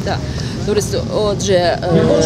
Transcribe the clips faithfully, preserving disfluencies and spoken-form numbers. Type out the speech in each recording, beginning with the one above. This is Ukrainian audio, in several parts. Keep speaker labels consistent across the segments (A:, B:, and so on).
A: Так. Товариство, отже,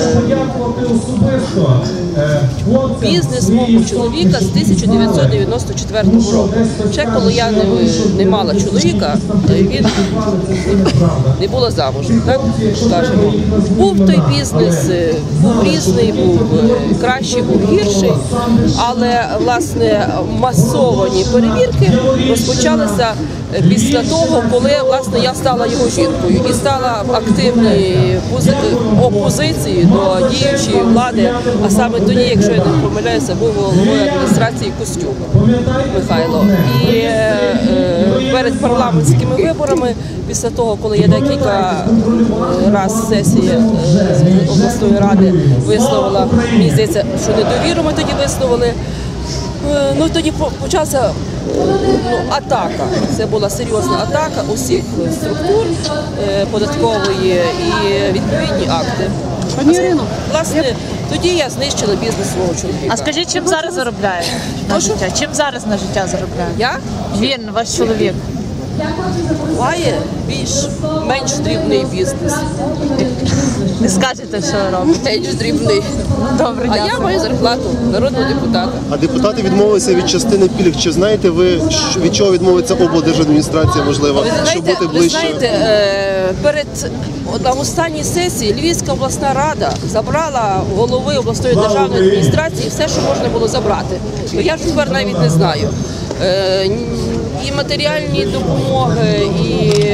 A: бізнес мого чоловіка з тисяча дев'ятсот дев'яносто четвертого року. Ще коли я не, не мала чоловіка, він не була замужем, так скажемо. Був той бізнес, був різний, був кращий, був гірший, але, власне, масовані перевірки розпочалися після того, коли, власне, я стала його жінкою і стала в активній опозиції до діючої влади, а саме тоді, якщо я не помиляюся, був головою адміністрації Костюк Михайло. І е, перед парламентськими виборами, після того, коли я декілька разів сесія обласної ради висловила, мені здається, що недовіру ми тоді висловили, ну тоді почався ну, атака. Це була серйозна атака усіх структур податкової і відповідні акти.
B: Пані Ірино,
A: власне, тоді я знищила бізнес свого чоловіка.
B: А скажіть, чим зараз заробляє на життя? Чим зараз на життя заробляє?
A: Я?
B: Він, ваш чоловік.
A: Має більш-менш дрібний бізнес.
B: Не скажете, що робить?
A: Менш дрібний.
B: Добре,
A: а я маю зарплату народного депутата.
C: А депутати відмовилися від частини пільг. Чи знаєте ви, від чого відмовиться облдержадміністрація, можливо,
A: ви
C: щоб
A: знаєте,
C: бути ближче?
A: Ви знаєте, перед на останній сесії Львівська обласна рада забрала голови обласної державної адміністрації все, що можна було забрати. Я ж тепер навіть не знаю. І матеріальні допомоги, і,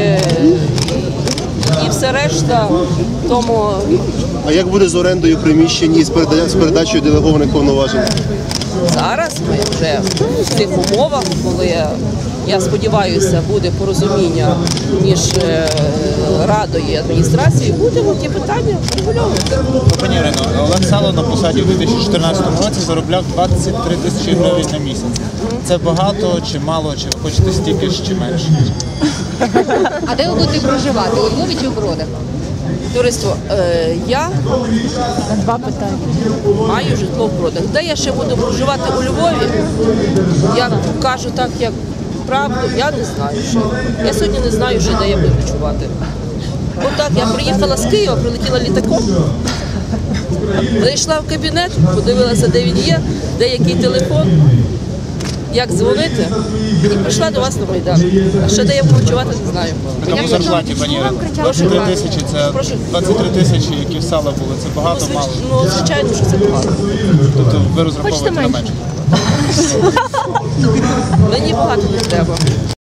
A: і все решта. Тому...
C: А як буде з орендою приміщень і з передачею делегованих повноважень?
A: Зараз ми вже в цих умовах, коли, я сподіваюся, буде порозуміння між радою і адміністрацією, будемо ті питання регульовувати.
D: Пані Ірино, Олег Сало на посаді у дві тисячі чотирнадцятому році заробляв двадцять три тисячі гривень на місяць. Це багато чи мало, чи ви хочете стільки ж, чи менше?
E: А де ви будете проживати? У Львові чи в Бродах?
A: Товариство, е, я
B: На два питання.
A: маю житло в Бродах. Де я ще буду проживати у Львові, я кажу так, як правду, я не знаю ще. Я сьогодні не знаю ще, де я буду ночувати. Отак, я приїхала з Києва, прилетіла літаком, зайшла в кабінет, подивилася, де він є, де який телефон, як дзвонити, і прийшла до вас на Майдан. А ще де я буду ночувати, не знаю.
D: На такій зарплаті, пані Ірино,
A: Прошу,
D: три тисячі, це двадцять три тисячі, які в Сала були, це багато, мало.
A: Ну, звичайно, що це багато.
D: Тобто ви розраховуєте на менше?
A: Мені багато не треба.